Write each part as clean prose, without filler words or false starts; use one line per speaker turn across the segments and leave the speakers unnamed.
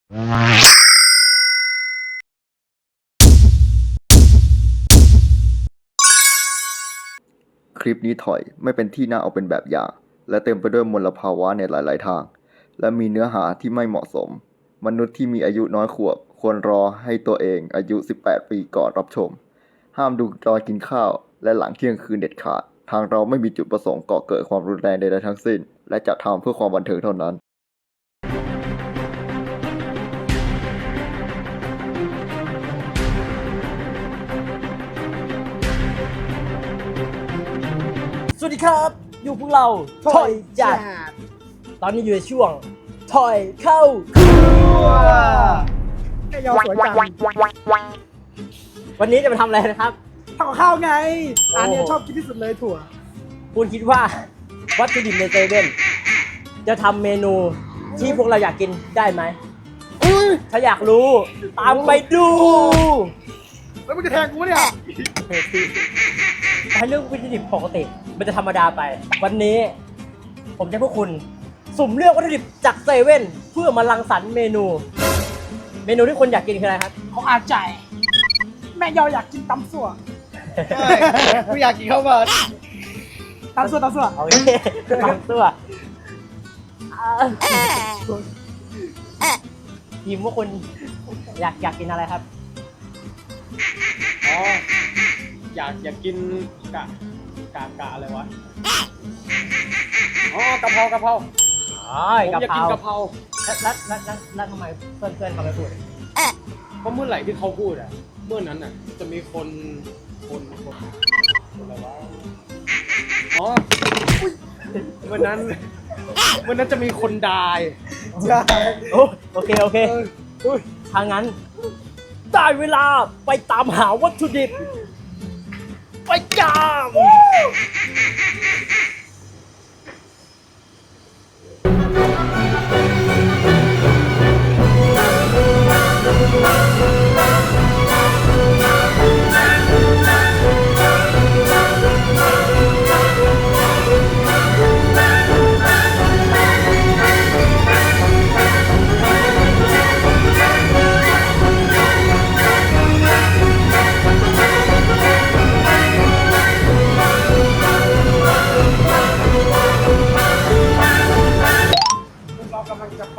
คลิปนี้ถอยไม่เป็นที่น่าเอาเป็นแบบอย่างและเต็มไปด้วยมลภาวะในหลายๆทางและมีเนื้อหาที่ไม่เหมาะสมมนุษย์ที่มีอายุน้อยขวบควรรอให้ตัวเองอายุ18 ปีก่อนรับชมห้ามดูตอนกินข้าวและหลังเที่ยงคืนเด็ดขาดทางเราไม่มีจุดประสงค์ก่อเกิดความรุนแรงใดๆทั้งสิ้นและจะทำเพื่อความบันเทิงเท่านั้น
สวัสดีครับอยู่พวกเราถอยจัดตอนนี้อยู่ในช่วงถอยเข้าครัว
ไอ้ยอสวยจัง
วันนี้จะมาทำอะไรนะครับ
ทำกับข้าวไง
โอ้
อันนี้ชอบกินที่สุดเลยถั่ว
คุณคิดว่าวัตถุดิบในเซเว่นจะทำเมนูที่พวกเราอยากกินได้ไหมถ้าอยากรู้ตามไปดู
แล้วมึงจะแทงกูเนี่ย
ให้เรื่องวัตถุดิบปกติมันจะธรรมดาไป วันนี้ผมจะให้พวกคุณสุ่มเลือกวัตถุดิบจากเซเว่นเพื่อมารังสรรค์เมนูที่คนอยากกินคืออะไรครับ
เขาอาใจแม่ยออยากกินตำสั่ว
กูอยากกินข้าวผัด
ตำสั่ว
โอเคบางตัวทีมว่าคุณอยากกินอะไรครับ
อ๋ออยากกินกะอะไรวะอ๋อกะเพราผม
กะ
อยาก
เพ
กิ
ราน
กะเพรา
แล้วทำไมเพื่อนเขาไม่พูด
เพราะเมื่อไหร่ที่เขาพูดอ่ะเมื่อนั้นอ่ะจะมีคนอะไรวะอ๋ออุ๊ยวันนั้นจะมีคนดาย
โอเคถ้างั้นได้เวลาไปตามหาวัตถุดิบไปจาม
เรากำลังจะไป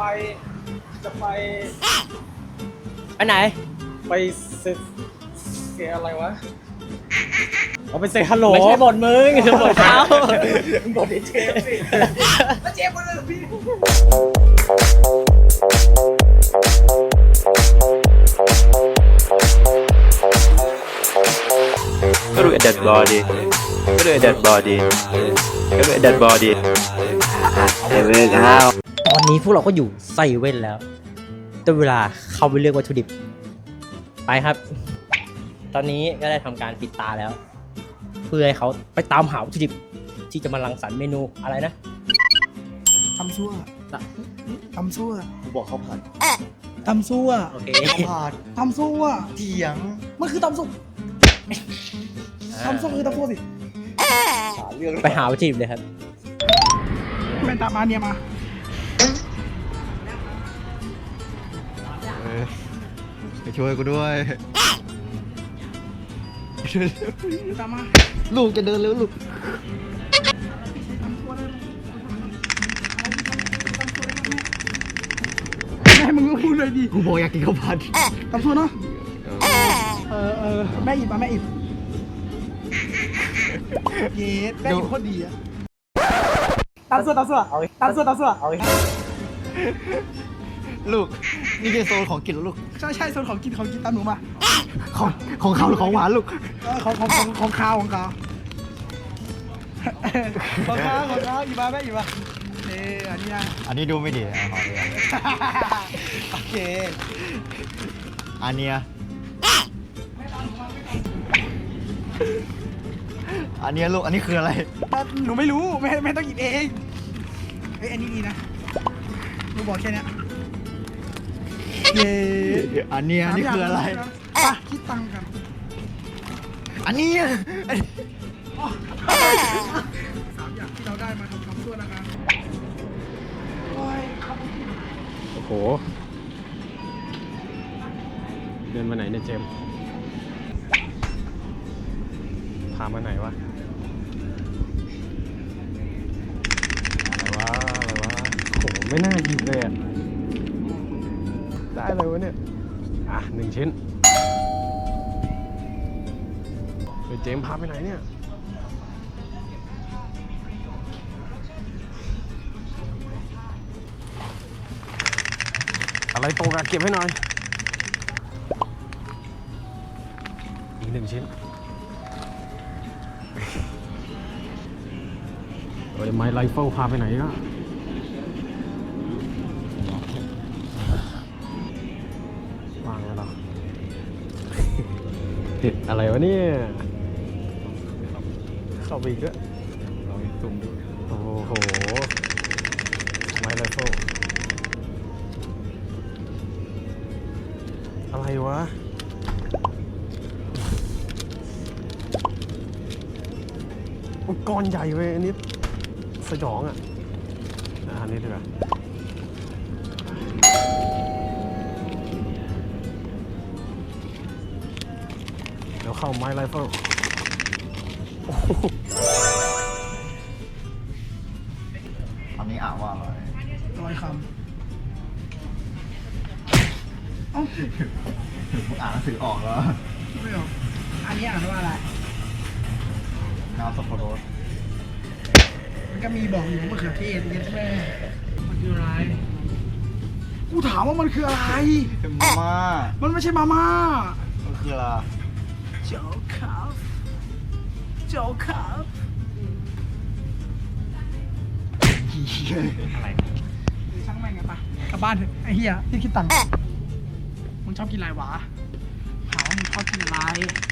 ไปไหน
ไปเซอะไรวะเอาไปเซฮัลโหล
ไม่ใช่บทมึงคือบทเขา
บทเชฟสิ
แล้วเจ๊มาเลยพี่
Look at that body. Look at that body. Look at that body.
ตอนนี้พวกเราก็อยู่ไซเว่นแล้วแต่เวลาเข้าไปเลือกวัตถุดิบไปครับ ตอนนี้ก็ได้ทำการปิดตาแล้ว เพื่อให้เขาไปตามหาวัตถุดิบที่จะมารังสรรค์เมนูอะไรนะ
ตำซั่วตำซั่ว
กูบอกเขาผ่าน
ตำซั่ว
โอเค
ผ่าน
ตำซั่ว
เถียง
มันคือตำซั่วตำซั่วคือตำซั่วสิ
เรื่อง
ไปหาวัตถุดิบเลยครับ
แม่ตามมาเนี่ยมา
ไปช่วยกูด้วย
ตามมา
ลูกจะเดินเร็วลูก
แม่มึงก็พูดเลยดิ
กูบอกอยากกินข้าวผัด
ตำซั่วเนาะแม่อิบมาแม่อิบเย็ดแม่อิบโคตรดีอะตำซั่ว
เอาอีก
ลูกนี่คือโซนของกินแล้วลูก
ใช่ส่วนของกินตามหนูมา
ของข้าวหรือของหวานลูก
ของข้าวของข้าวอีมาแม่อีมาอันนี้นะ
อันนี้ดูไม่ดีขอเลย
โอเค
อันเนี้ยอันเนี้ยลูกอันนี้คืออะไร
หนูไม่รู้ไม่ต้องหยิบเองเฮ้ยอันนี้ดีนะหนูบอกแค่เนี้ยเย้
อันเนี้ยนี่คืออะไร
ไปคิดตังค์กัน
อันเนี้ย
3 อย่างที่เราได้มาทำคำชั่วนะครับโอ้ย
โอ้โห
เดินมาไหนเนี่ยเจมส์พามาไหนวะอะไรวะโหไม่น่าหยิบเลยอะได้เลยวะเนี่ยอ่ะ1 ชิ้นเฮ้ยเจมส์พาไปไหนเนี่ยอะไรตกอะเก็บให้หน่อยอีก1 ชิ้นเฮ้ยไม้ไรเฟิลพาไปไหนก็วางแล้วเหรอ อะไรวะเนี่ยเข้าไปอีกด้วยลองจุ่มดูโอ้โหไม้ไรเฟิลอะไรวะอุปกรณ์ใหญ่เว้ยอันนี้สยองอ่ะอันนี้ดีกว่าเดี๋ยวเข้าไม้ไรเฟิล
อันนี้อ่านว่าอะไร
ร้อยคำเอ้า
มึงอ่านหนังสือออกแล้ว
ไม่ออกอันนี้อ่านว่าอะไร
น้ำสับปะรด
มันก็มีบอกอยู่ว่ามะเขือเทศเย็ดแม่มันคืออะไรกูถามว่ามันคืออะไร
เป็นมาม่า
มันไม่ใช่มาม่า
มันคืออะไร
โจ๊กครับโจ๊กครับอะไรช่างแม่งกันปะกลับบ้านเถอะไอ้เหี้ยที่คิดตังค์มึงชอบกินอะไรวะถามว่ามึงชอบกินอะไร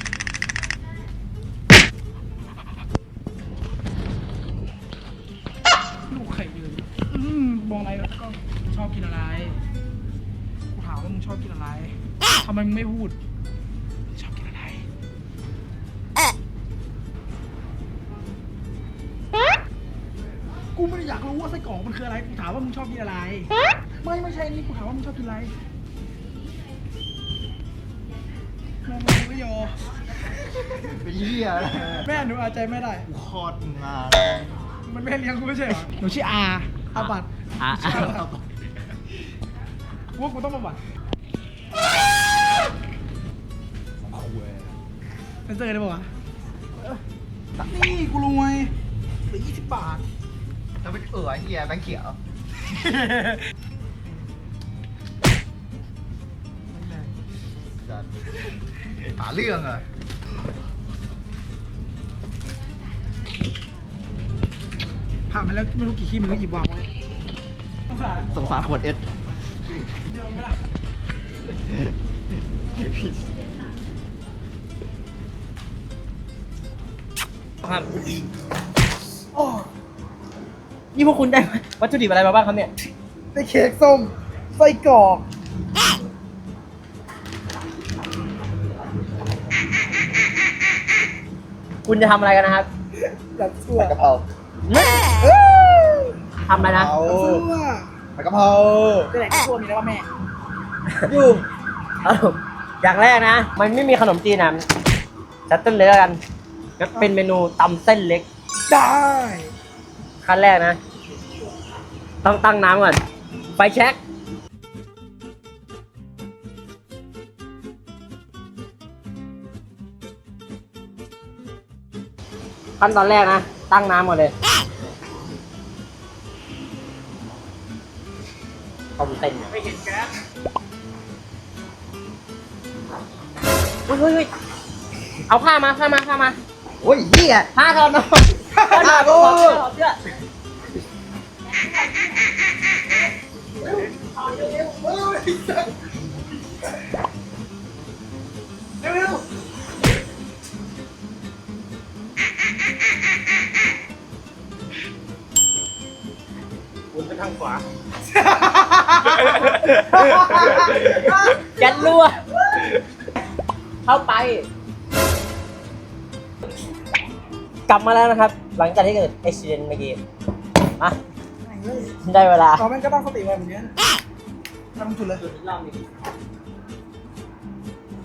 ลูกไข่ยืนมองอะไรแล้วก็ชอบกินอะไรกูถามว่ามึงชอบกินอะไรทำไมมึงไม่พูดชอบกินอะไรกูไม่ได้อยากรู้ว่าไส้กรอกมันคืออะไรกูถามว่ามึงชอบกินอะไรไม่ใช่นี่กูถามว่ามึงชอบกินอะไรแม่มึงไม่ยอ
เป็นเหี้ยอะไร
แม่หนูอาจใจไม่ได้
กูคลอดมึงมา
มันแม่เลี้ยงกูไม่ใช่เหรอหนูชื่ออาบัต
อ่ะ
กูว่ากูต้องมาบัตเซนเซอร์ได้ป่าวะนี่กูรวยเหลือ20 บาท
จะเป็นเหี้ยแบงค์เขียวหาเรื่องอ่ะ
ผ่านมาแล้วไม่รู้กี่ขี้มันก็หยิบวางไว้ต้องผ่าน
สงสารขวดเอส
เดี๋ยวไม่ได้
ครับโอ้นี่พวกคุณได้วัตถุดิบอะไรมาบ้างครับเนี่ย
ได้เค้กส้มไส้กรอก
คุณจะทำอะไรกันนะครับ
แบบชั่ว
กะเพรา
ทำอะไรนะ
ชั่ว
ผัดกะเพรา
จะไหนก็ชั่วมีแล้วว่าแม่
อยู่อย่างแรกนะ มันไม่มีขนมจีนนะจัดต้นเลยแล้วกันก็เป็นเมนูตำเส้นเล็ก
ได้
ขั้นแรกนะ ต้องตั้งน้ำก่อน ไฟแช็กขั้นตอนแรกนะ ตั้งน้ำก่อนเลยต้มเส้นไม่เห็นแก๊สเฮ้ยเอาผ้ามา
โอ้ยเหี้ย
ผ้าถอดมาผ้าถอดเสื้อคุณไปทางขวายันรั่วเข้าไป กลับมาแล้วนะครับ หลังจากที่เกิดอุบิเหตุเมื่อกี้อ่ะได้เวลา
เราแม่งก็ตั้งสติไว้เหมือนกันทำจุดเลย
จุดอีกรอบหนึง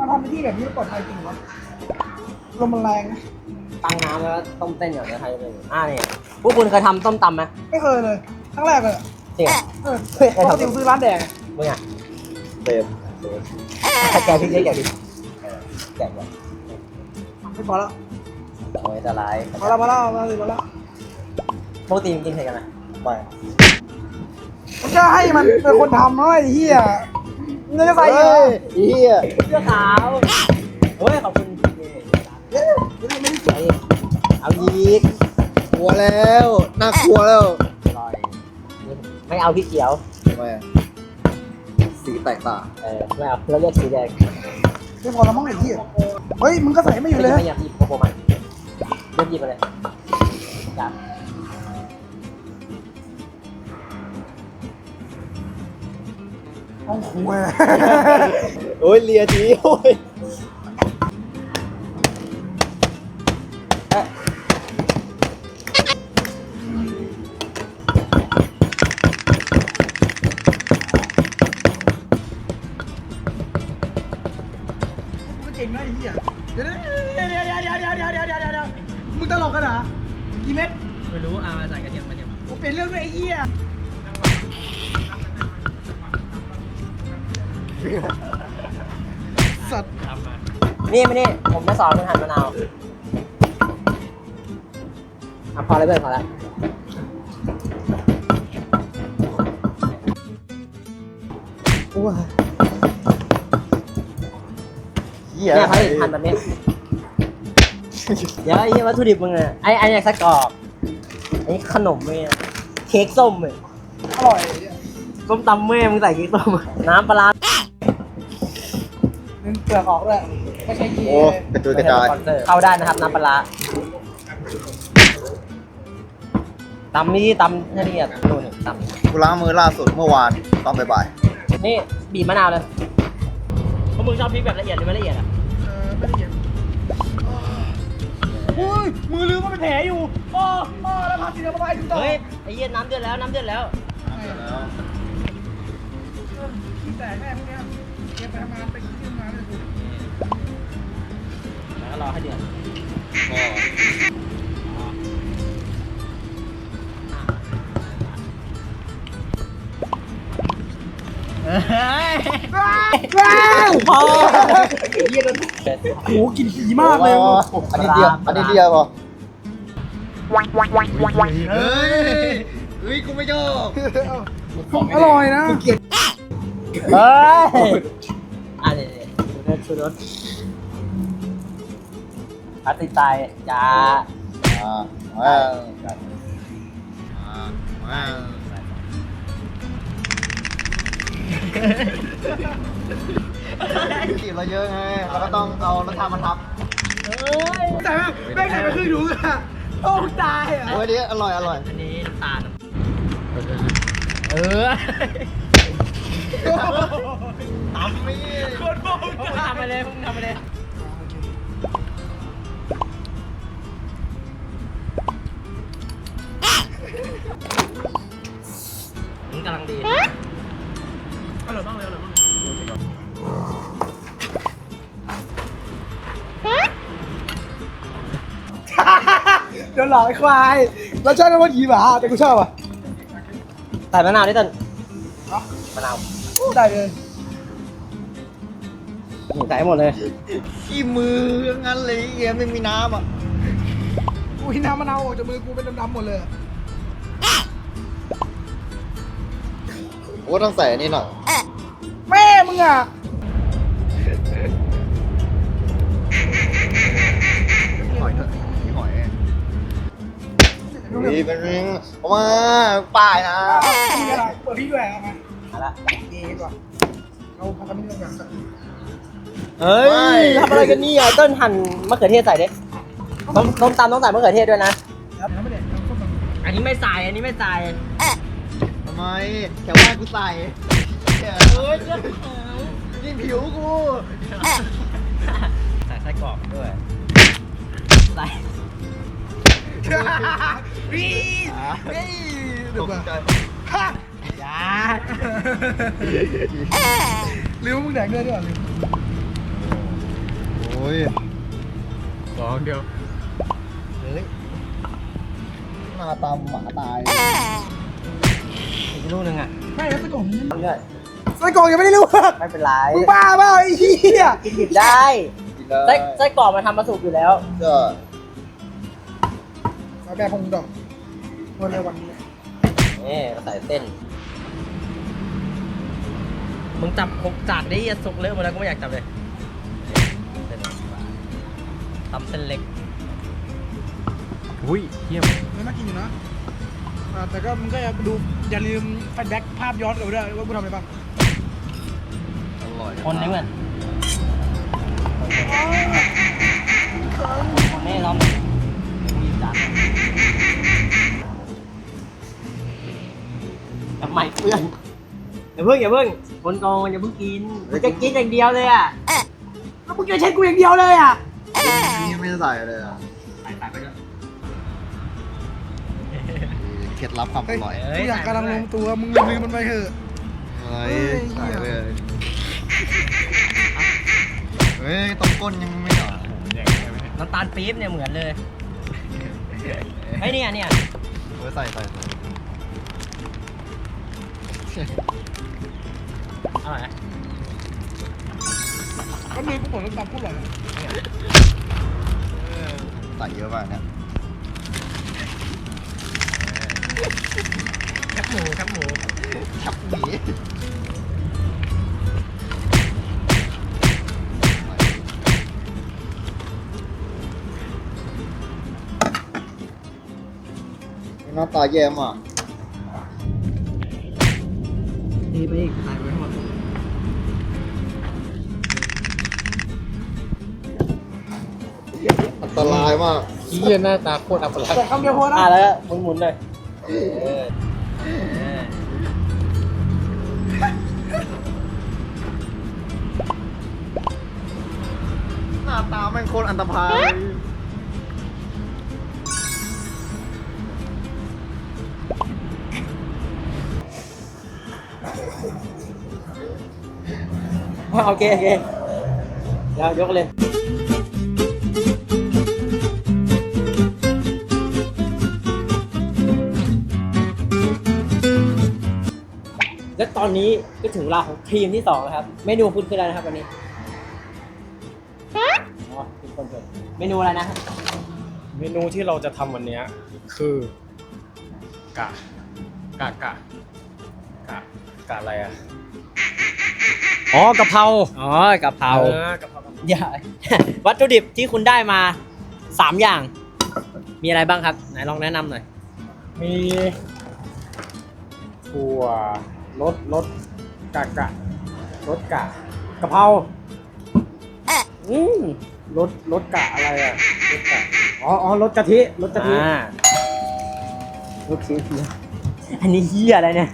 ทำในที่แบบนี้ปลอดภัยจริงเหรอลมมันแรงนะ
ตั้งน้ำแล้วต้มเส้นอย่างนี้ใครจะเป็นนี่พวกคุณเคยทำต้มตำไหม
ไม่เคยเลยครั้งแรกเลย
จริงเหรอ
ปกติซื้อร้านแดง
มึงอ่ะ
เต็ม
แกะพริกได้แกะพริกแกะเลย
ไม่พอแล้ว
โอ้ยจะร้าย
พอแล้วมาแล้ว
ปกติมึงกินเผ็ดกันไหม
ไม่
มันจะให้มันเป็นคนทำเนาะไอ้เหี้ยมึงจะใส่เหรอ
เฮีย
เสื้อขาวเฮ้ยขอบคุณไม่ได้สวยเอายีก
กลัวแล้วน่ากลัวแล้ว
อร่อยไม่เอาพริกเขียว
ทำไมอะสีแตกต่าง
ไม่เอาเราเลือกสีแดง
ไม่พอแล้วมั้งไอ้เหี้ยเฮ้ยมึงก็ใส่ไม่อยู่เลย
ไม่อยากหยิบโกโก้มันเลือกหยิบมาเลยจับ
ห้องครัว
โอ้ยเลียทีโอ้ย
มึงเก่งนะไอ้เหี้ยเดี๋ยวมึงตลกกันเหรอกี่เม็ด
ไม่รู้เอามาใส่กระเทียมมาเนี่ย
กูเป็นเรื่องด้วยไอ้เหี้ยสัตว์
นี่ไม่นี่ผมจะสอนคุณหั่นมะนาวพอเลยเพื่อนพอแล้ว
เฮีย
เนี่ยเขาจะหั่นแบบนี้เดี๋ยวไอ้วัตถุดิบมึงอ่ะไอ้เนี่ยไส้กรอกไอ้ขนมเนี่ยเค้กส้มเลย
อร่อยไอ้เหี้ย
ส้มตำแม่มึงใส่เค้กส้มน้ำปลาร้า
นึงเปลือกออกด้วยไม่ใช่กี
โอ้กระจุยกระจาย
เข้าได้นะครับน้ำปลาร้าตำนี่ตำให้ละเอียดนู่นนี่ต
กูล้างมือล่าสุดเมื่อวานตอนบ่าย
ำนี่บีบมะนาวเลยเพราะมึงชอบพริกแบบละเอียดหรือไม่ละเอียดอ่ะ
ไม่ละเอียดอุ้ยมือลืมว่าเป็นแผลอยู่อ้อแล้วพาสีน้ำไปถึงต่อ
เฮ้ยไอ้เหี้ยน้ำเดือดแล้วน้ำเดือดแล้ว
แต่แม่พวกเนี้ยเก็บไปทำงานไปกินที่ทำงานเลยกู
แล้วก็รอให้เดือดพอ
โอ้กินผีมากเลย
อันนี้เดียวพอเฮ้ยกูไม่ชอบ
อร่อยนะ
เฮ้ยอ่ะเดี๋ยวชูรสอาติดตายจ้า
จีบเราเยอะไงเราก็ต้องเอารสชาติมาทับ
แต่แม่งใส่ไปครึ่งถุงอะโอ้ตายอ่ะ
โอ้ยนี่อร่อย
อันนี้น้ำตาล
ตำมี
คนโบ้
ทำไปเลยทำไปเลยนี่กำลังดี
อร่อยมากเลยอร่อยมากเดี๋ยวหลอกไอ้ควายเราชอบน้ำมันผีหมาแต่กูชอบอ่ะ
ใส่มะนาวด้วยต้นมะนาว
ได้เลย
ใส่หมดเลย
ขี้มืองั้นเลยเหี้ยไม่มีน้ำอ่ะ
อุ้ยน้ำมะนาวออกจากมือกูเป็นดำๆหมดเลย
โอ้ต้องใส่อันนี้หน่อย
แม่มึงอ่ะ
หอยเถอะมีหอยนี่เป็นเอามาป้ายนะ
มีอะไรเปิดพี่ด้วยเอามา
เอาละ
เย้ดีกว่าเราพักกันนิดนึงก่อน
เฮ้ยทำอะไรกันนี่อ่ะต้นหั่นมะเขือเทศใส่ดิต้มตำต้องใส่มะเขือเทศด้วยนะ
ครับน้ำไม่เด็ดน้ำส้มตำ
อันนี้ไม่ใส่ อันนี้ไม่ใส่
ทำไมแถวบ้านกูใส่เฮ้ยนี่ผิวกู
ใส่ไส้กรอกด้วย ใส่
วิ่งเฮ้ยเดี๋ยวก่อนฮะ
ยา
ลืมมึงแดกเงินด้วยเหรอลืม
อ้ย
สองเดียว
เฮ้ย
หน้าตามหมาตาย
อีกลูกนึงอ่ะ
ไม่แล้วไส้กรอกมัน
เลือด
ไส้กรอกยังไม่ได้ลวก
ไม่เป็นไร
มึงบ้าเปล่าไอ้เหี้ย
กินดิบได้
กินได้
ไส้กรอกมันทำมาสุกอยู่แล้ว
ก็
เอาแบบพงดอกวันในวันนี้
นี่เราใส่เส้น มึงจับหกจากได้สุกเลอะหมดแล้วก็ไม่อยากจับเลยเส้นตำเส้นเล็ก
อุ้ยเยี่ยม
ไม่น่ากินอยู่นะแต่ก็มึงก็อย่าลืมแฟลชแบ็กภาพย้อนกลับไปด้วยว่ากูทำอะไรบ้าง
อร่อย
คนนี้เหมือนคนนี้เรามีจานทำไมเพื่อนอย่าเพิ่งคนกองอย่าเพิ่งกินมึงจะกินอย่างเดียวเลยอ่ะ
แล้วมึงจะใช้กูอย่างเดียวเลยอ่ะ
นี่ไม่ใส่เลยอ่ะ
ใส่ไปด้วย
เคล็ดลับความอร่อย
กูอยากกำลังลงตัวมึงลืมมันไปเถอะ
อะไร
เฮ้ย
ใส่เลยเฮ้ยต้มก้นยังไม่หรอ
น้ำตาลปี๊บเนี่ยเหมือนเลยไอ้เนี่ย
เฮ้ยใส่
อร่อยนะ
ก็เลยกูบอกแล้วตามพูดหรอย
ใส่เยอะมากเนี่ย
แคบหมู
ชับหมีหน้าตาแย่มาก
นี่ไปอีกใส่ไปทั้งหมด
อันตรายมาก
เยี่ยหน้าตาโคตรอัปลักษณ์
แต่คำเดียวพอนะ
แล้วหมุนเลย
หน้าตาแม่งโคตรอันตรพาล
โอเคเดี๋ยวยกเลย และตอนนี้ก็ถึงเวลาของทีมที่ 2 แล้วครับ เมนูคุณคืออะไรนะครับวันนี้อ๋อคุณคนเกิดเมนูอะไรนะครับ
เมนูที่เราจะทำวันเนี้ยคือกะอะไรอ่ะอ๋อกะเพรา
อ๋อกะเพราก
ะเพรา
อย่า วัตถุดิบที่คุณได้มา 3 อย่าง มีอะไรบ้างครับ ไหนลองแนะนำหน่อย
มีถั่วรสกะกะเพรา
อืม
รสกะอะไรอ่ะรสกะอ๋อรสกะทิรสกะทิ
โอเคอันนี้เฮียอะไรเนี่ย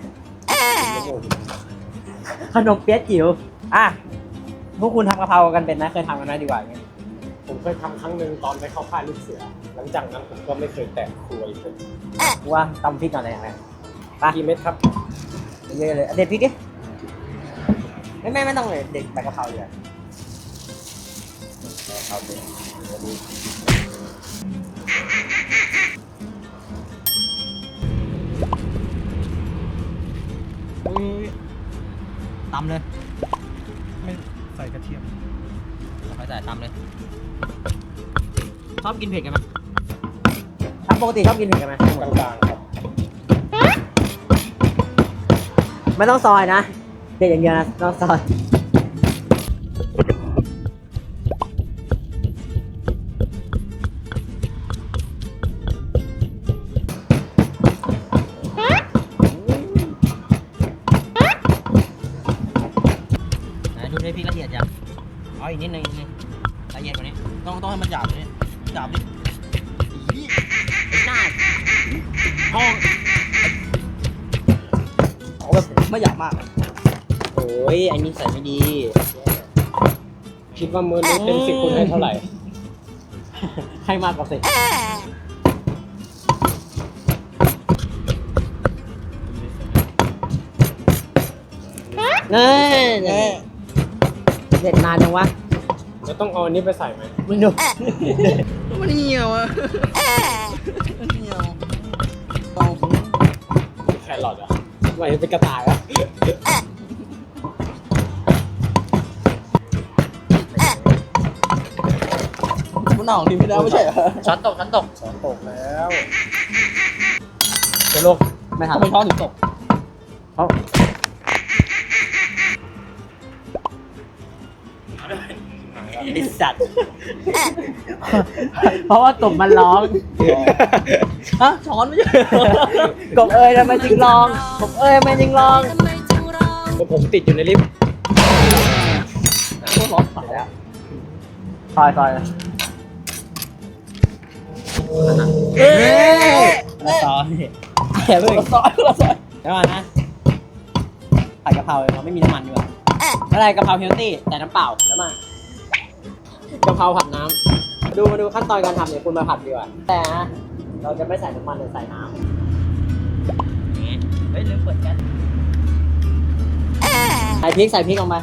ขนมเปี๊ยะจิ๋วอ่ะพวกคุณทำกะเพรากันเป็นนะเคยทำกันไหมดีกว่าอย่างเงี้ย
ผมเคยทำครั้งหนึ่งตอนไปเข้าค่ายลูกเสือ หลังจากนั้นผมก็ไม่เคยแตะครัวอีกเลย
กูว่าตำพริกก่อนเลยอย่างไรไป
กี่เม็ดครับ
เยอะเลยเด็ดพริกดิไม่ต้องเลยเด็ดใบกะเพราเลยเอาเด็ดตำเลย
ไม่ใส่กระเทียม
ค่อยใส่ตำเลย ชอบกินเผ็ดกันไหมครับปกติชอบกินเผ็ดกันไหม
กลางๆครับ
ไม่ต้องซอยนะเผ็ดอย่างเดียวนะต้องซอยดูให้พี่ละเอียดยังเอาอีกนิดนึงละเอียดกว่านี้ต้องให้มันหยาบกว่านี้หยาบดิหน้าห้องเอาแบบไม่หยาบมากโอ้ยอันนี้ใส่ไม่ดี
คิดว่ามื้อนี้เต็ม10คุณให้เท่าไหร่
ให้มากกว่าสิเน่เด็ดนานจังวะ
จะต้องเอาอันนี้ไปใส่ไหม
มึงดู
มันเหี่ยวอ่ะมันเหี่ยว
แครอทอ่ะไม่เป็นกระต่ายอ่ะ
มันหนาวดีไม่ได้ไม่ใช่เหรอ
ช้อนตก
ตกแล้วจะลง
ไม่ทัน
ทำไมช้อนถึงตก
ไอสัตว์ เพราะว่าตบมันร้อง
ฮะช้อนไม่ใช่
กบเอ้ยทำไมจึงร้องกบเอ้ยทำไมจึงร้อง
ผมติดอยู่ในลิฟต์
โคตรร้อนสายอ่ะ
ซอยละซอยแอบเพิ่ง
ซอยซอย
เดี๋ยวก่อนนะผัดกะเพราเราไม่มีน้ำมันดีกว่าอะไรกะเพราเฮลตี้แต่น้ำเปล่าแล้วมากะเพราผัดน้ำมาดูขั้นตอนการทำเนี่ยคุณมาผัดดีกว่าแต่นะเราจะไม่ใส่น้ำมันเราใส่น้ำเฮ้ยลืมเปิดแก๊สใส่พริกลงไป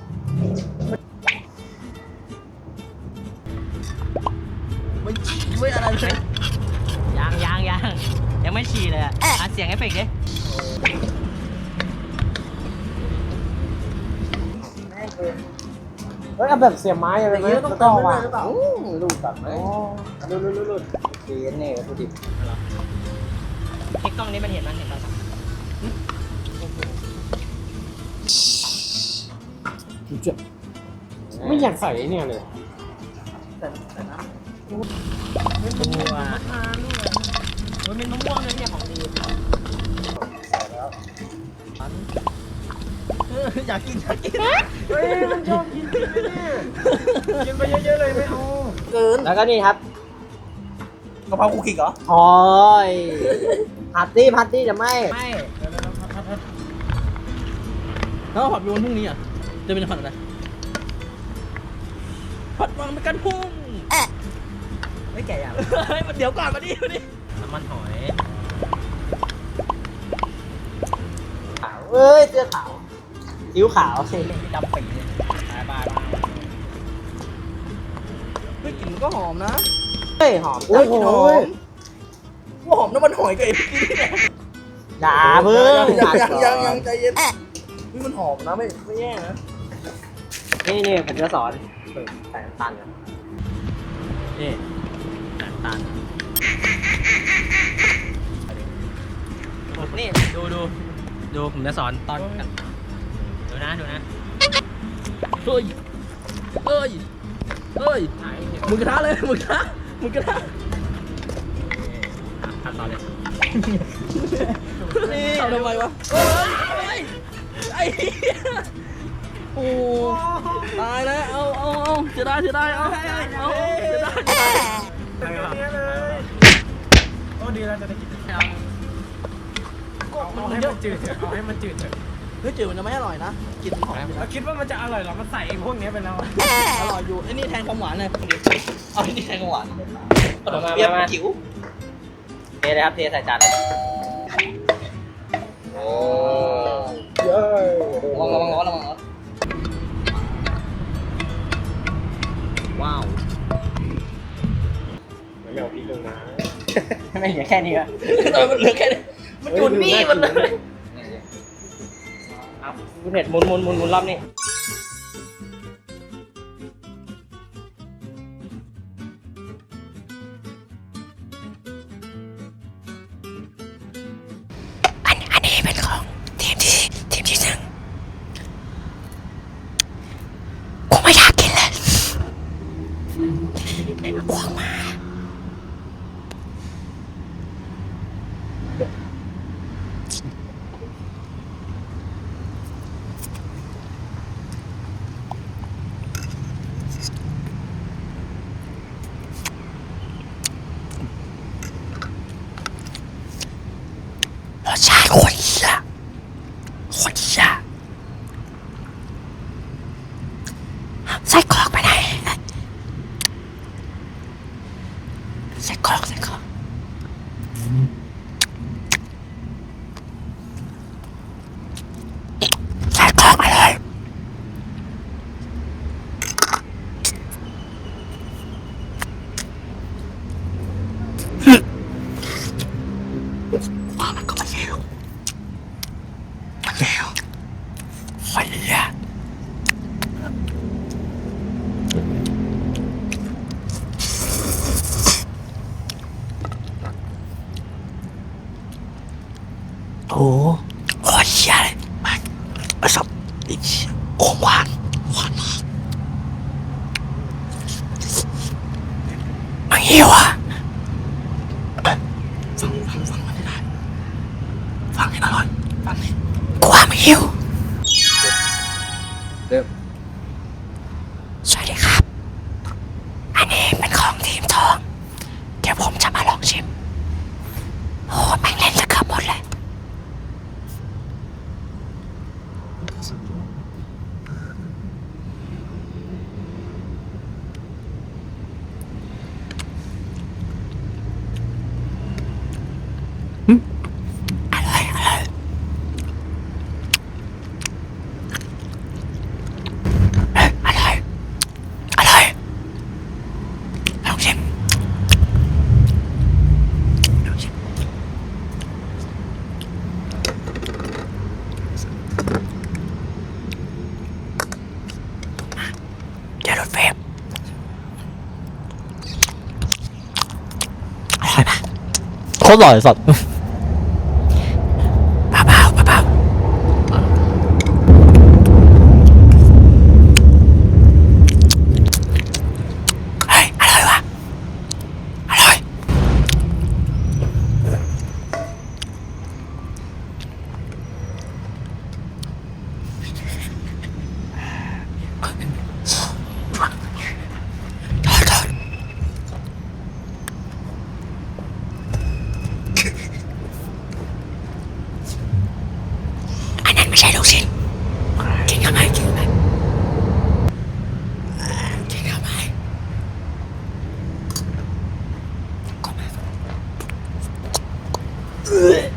ไม่อะไรเลย
ยังไม่ฉี่เลยอ่ะเสียงเอฟเฟกต์ดิ
เฮ้ยเอาแบบเสียบไม้อะไรไหม
ต้องต่อว่ะหรือเปล่า
ลูกตัดไหมลูดดีเนี่ยวัตถุดิบไอ้กล้องนี้มันเห็นเรา
ไม่อยากใส่ไอ้เนี่ยเลย
ตัวมันเป็นมะม่วงเลยเนี่ยของดี
อยากกิน
เฮ้ยมันชอบกินจริงไหมเนี่ยกินไปเยอะๆเลยไม่เอา
เกิน
แล้วก็นี่ครับ
กะเพราคุกกี้เหรอ
โอ้ยผัดตี้จะไม่
แล้วผัดไปวันพรุ่งนี้อ่ะจะเป็นผัดอะไรผัดวางไปกันพุ่ง
ไม่แก่อย่าง
เดี๋ยวก่อนมาดิ
น้ำมันหอยขาวเอ้ยเสื้อขาวคิ้วขาวเส้นดำปีเลยบาย
เฮ้ยกลิ่นก็หอมนะ
เฮ้ยหอม
โอ้ยกลิ่นหอมว่าหอมน้ำมันหอยกับไอ้พี่เนี่ย
อย่าเพิ่ง
ยังใจเย็นนี่มันหอมนะไม่แย่นะ
นี่ผมจะสอนใส่น้ำตาลนะนี่ใส่น้ำตาลนี่ดูผมจะสอนตอนดูนะ
เฮ้ยหมึกกระทะเลยหมึกกระทะ
ขั้นตอนเลย
นี่ทำไมวะไอ้เหี้ยโอ้ตายแล้วเอาเสียดายเอาเสียดาย
โอ้ดีแล้วจะได้กินเอาให้มันจืดเถอะเอาให้มันจืดเถอะ
เฮ้ยจืดมันจะไม่อร่อยนะกินหอม
แล้วคิดว่ามันจะอร่อยเหรอมันใส่ไอ้พวกนี้ไปแล้วอะ
อร่อยอยู่ไอ้นี่แทนความหวานเลยเอาไอ้นี่แทนความหวาน
มา
เปรี้ยวจิ๋ว
เทเลยครับเทใส่จานเลย
เย้ย
ระวังร้อนว้าว
ไม่เอาพริกลงนะ
ไม่เหลือแค่นี้อะ
มันเหลือแค่นี้มันอยู่นี่มันเลย
เอาคุณเห็ดหมุนรอบนี้อันนี้เป็นของทีมที่หนึ่งกูไม่อยากกินเลยอ้วกมาแล้วฟันละโอ้โหเชี่ยเลยมาประสบโอ้หวานมากมันหิวอ่ะฟังมันได้ฟังให้อร่อยฟังให้กูว่ามันหิว
เริ่ม
สวัสดีครับ อันนี้เป็นของทีมทอง เดี๋ยวผมจะมาลองชิม โอ้แม่งเล่นจะเกือบหมดเลยอะไรลองชิมเดี๋ยวรถเฟรมอร่อยปะโคตรอร่อยสัตว์เบาเฮ้ยอร่อยว่ะอร่อยโทษอันนั้นไม่ใช่ลูกชิ้นกินเข้าไปกินเข้าไปก็มา